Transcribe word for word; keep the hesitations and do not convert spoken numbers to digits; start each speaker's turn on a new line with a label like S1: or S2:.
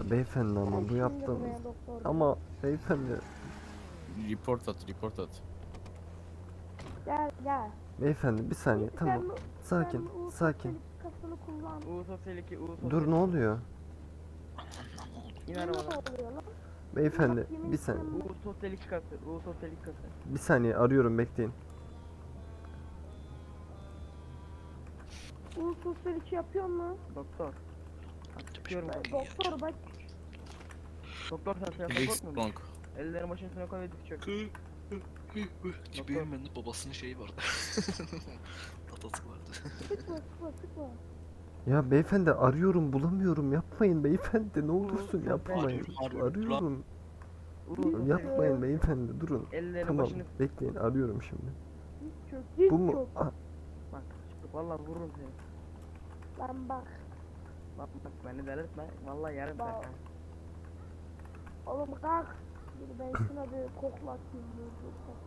S1: beyefendi ama
S2: Gel
S1: bu
S2: şimdi
S1: yaptığınız
S2: buraya doktor bey.
S1: ama beyefendi
S3: Report at, report at.
S2: Gel gel.
S1: beyefendi bir saniye
S2: Sen-
S1: tamam
S2: sen
S1: sakin
S2: Uğur
S1: sakin
S2: Kasını kullan.
S4: U Sosyal iki, U Sosyal
S1: dur ne oluyor
S4: İn
S2: Ne
S4: arabadan.
S2: oluyor lan?
S1: beyefendi
S2: Bak, yemin
S1: bir saniye
S2: ederim
S4: U Sosyal iki kası, U Sosyal iki kası.
S1: bir saniye arıyorum bekleyin.
S2: Uğur Sosyal iki yapıyor mu?
S4: Doktor. Bak, çıkıyorum ben.
S2: Doktor bak.
S4: Doktor sen sen
S3: Felix
S4: korkmuyor musun?
S3: Blanc.
S4: Ellerini başın üstüne koy ve dik çök.
S5: Benim bende babasının şeyi vardı. Tatası vardı.
S2: Sıkma sıkma sıkma.
S1: Ya beyefendi arıyorum bulamıyorum yapmayın beyefendi ne olursun
S4: Uğur,
S1: yapmayın
S5: arıyorum, arıyorum.
S1: arıyorum
S4: U Sosyal
S1: yapmayın beyefendi durun
S4: Ellerini
S1: tamam
S4: başını
S1: bekleyin arıyorum şimdi
S2: Diz çök diz
S1: bu mu
S2: çök.
S1: ah,
S4: bak. Vallahi vururum seni.
S2: Lan bak.
S4: Bak bak beni delirtme. Vallahi yarım
S2: Bak.
S4: saat.
S2: Oğlum kalk. Dur ben şuna bir koklatayım. Dur, dur,